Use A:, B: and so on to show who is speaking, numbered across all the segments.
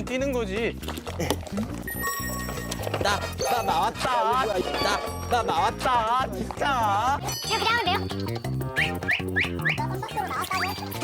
A: 뛰는 거지.
B: 나 나왔다. 나 나왔다. 진짜.
C: 그냥 하면 돼요? 나 선박으로 나왔다고.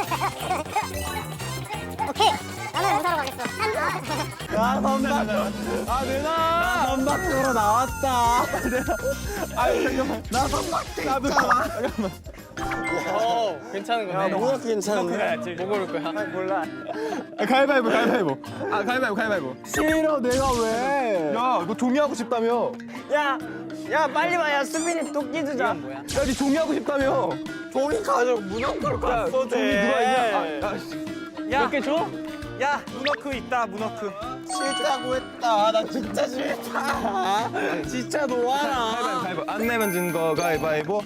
C: 오케이. 나는 의사로 가겠어.
B: 야 선박. 아 누나. 선박으로 나왔다.
A: 아유 잠깐만.
B: 나 선박
A: 나도 잠깐만. 괜찮은 거네.
B: 뭐가 괜찮은데?
A: 뭐 고를 거야?
B: 몰라.
A: 가위바위보. 가위바위보.
B: 싫어 내가 왜?
A: 야, 너 종이 하고 싶다며?
B: 야 빨리 와. 야 수빈이 도끼 주자.
A: 야, 니 종이 하고 싶다며?
B: 종이 가져. 문어크로 갔어.
A: 종이 누가 있냐? 몇 개 줘?
B: 야 문어크 있다. 문어크. 싫다고 했다. 나 진짜 싫다. 진짜 놓아라.
A: 가위바위보. 안 내면 진 거 가위바위보.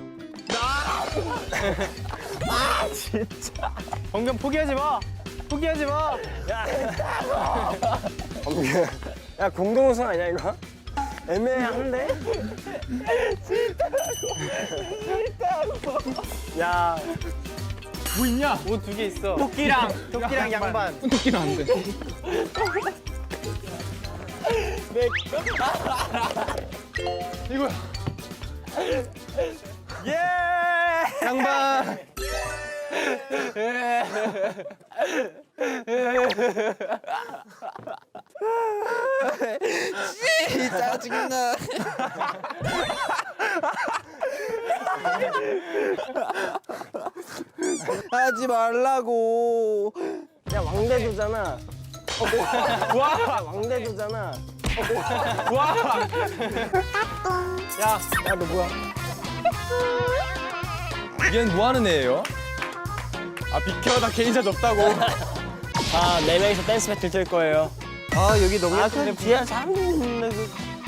B: 아 진짜.
A: 정경 포기하지 마.
B: 야 공동 우승 아니야 이거? 애매한데? 싫다고. 야.
A: 뭐 있냐?
B: 옷 2개 있어. 도끼랑 양반.
A: 토끼는 안 돼. 이거야.
B: 예.
A: 양반.
B: 짜증나. 하지 말라고. 야 왕대도잖아. 와 왕대도잖아.
A: 와.
B: 야 너 뭐야?
A: 얘는 뭐 하는 애예요? 아 비켜, 나 개인샷 없다고.
B: 아 4명이서 댄스 배틀 뜰 거예요. 아 여기 너무 예쁜데 뒤에 사람들이 있는데